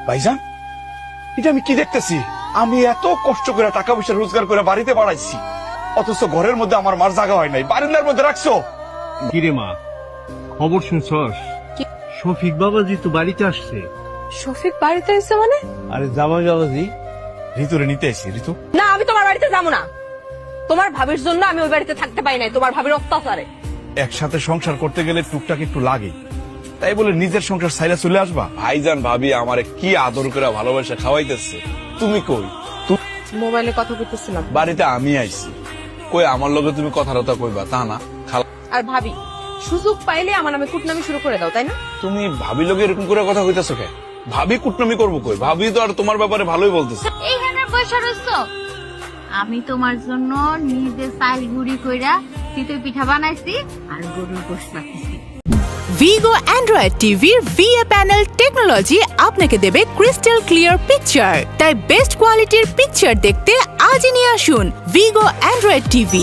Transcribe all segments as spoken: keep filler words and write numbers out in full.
ভাইজান, এটা আমি কি দেখতেছি? আমি এত কষ্ট করে টাকা পয়সা রোজগার করে বাড়িতে বাড়াইছি, অথচ ঘরের মধ্যে আমার মার জায়গা হয় নাই, বারান্দার মধ্যে রাখছো। কিরে মা, খবর শুনছস? শফিক বাবাজি তো বাড়িতে আসছে। শফিক বাড়িতে এসে মানে? আরে জামাই বাবাজি ঋতুরে নিতে এসি। ঋতু, না, আমি তোমার বাড়িতে যাবো না। তোমার ভাবির জন্য আমি ওই বাড়িতে থাকতে পারি নাই, তোমার ভাবির অত্যাচারে। একসাথে সংসার করতে গেলে টুকটাক একটু লাগে, তাই বলে নিজের সংসার সাইরা চলে আসবা? ভাইজান ভাবি আমারে কি আদর করে ভালোবাসা খাওয়াইতেছে, তুমি কই? মোবাইলে কথা বলতেছিলাম। বাড়িতে আমি আইছি, কই আমার লগে তুমি কথা রতা কইবা তা না। খালা, আর ভাবি সুযোগ পাইলে আমার নামে কুটনামি শুরু করে দাও, তাই না? তুমি ভাবি লগে এরকম করে কথা কইতাছো কে? ভাবি কুটনামি করবো কই? ভাবি তো আর তোমার ব্যাপারে ভালোই বলতেছে। এইখানে বসে রইছো? আমি তোমার জন্য নিজে চাল গুড়ি কইরা চিতই পিঠা বানাইছি আর গরুর গোশত রাখছি। ভিগো অ্যান্ড্রয়েড টিভির ভিএ প্যানেল টেকনোলজি আপনাকে দেবে ক্রিস্টাল ক্লিয়ার পিকচার। তাই বেস্ট কোয়ালিটির পিকচার দেখতে আজই নিয়ে আসুন ভিগো অ্যান্ড্রয়েড টিভি।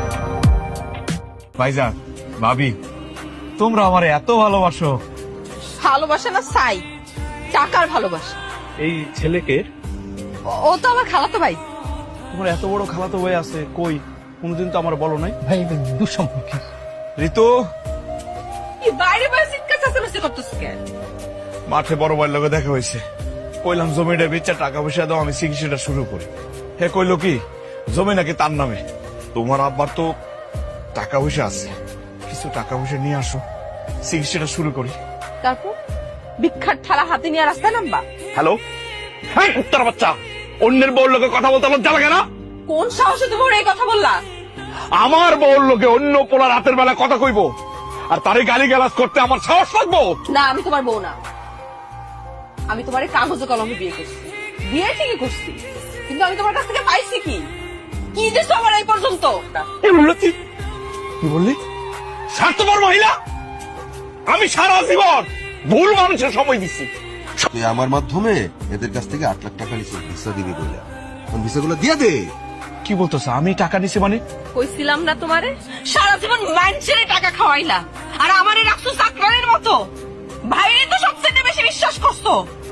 ভাইজান ভাবি, তোমরা আমার এত ভালোবাসো। ভালোবাসা না চাই, টাকার ভালোবাসা। এই ছেলেকে, ও- ও তো আমার খালাতো ভাই। তোমার এত বড় খালাতো ভাই আছে, কই কোনোদিন তো আমার বলো নাই। ভাই দুঃসম্পর্কে। ঋতু, কি বাইরে বাইরে চিৎকার চেঁচামেচি করতেছ কেন? মাঠে বড় ভাইয়ের লগে দেখা হয়েছে, কইলাম জমিটা বেচা টাকা পয়সা দাও, আমি চিকিৎসাটা শুরু করি। হে কইলো কি জমি নাকি তার নামে। তোমার আব্বার তো টাকা পয়সা আছে, কিছু টাকা পয়সা নিয়ে আসো, চিকিৎসাটা শুরু করি। তারপর বিখ্যাত থালা হাতে নিয়ে রাস্তায় নামবা? হ্যালো, হ্যাঁ কুত্তার বাচ্চা, অন্যের বউর লোকে কথা বলতে লজ্জা লাগে না? কোন সাহসে তুমি ওর এই কথা বললা? আমার বউর লোকে অন্য পোলা রাতের বেলা কথা কইবো আর তারে গালি গালাজ করতে আমার সাহস লাগবো? না, আমি তোমার বউ না। আমি তোমার এই কাগজে কলমে বিয়ে করছি, বিয়ে ঠিকই করছি, কিন্তু আমি তোমার কাছ থেকে পাইছি কি? কি দিছো আমার এই পর্যন্ত? কি বললি তুই? কি বললি? স্বার্থপর মহিলা, আমি সারা জীবন ভুল মানুষের সময় দিচ্ছি। তুই আমার মাধ্যমে এদের কাছ থেকে আট লাখ টাকা নিচ্ছিস ভিসা দিবি বলে, ভিসাগুলো দিয়ে দে। কি বলতেছ? আমি টাকা নিছি মানে? কইছিলাম না তোমারে, সারা জীবন মানুষের টাকা খাওয়াইলা আর আমারে রাখছো চাকরানির মতো। ভাইরে তো সবচেয়ে বেশি বিশ্বাস করছো।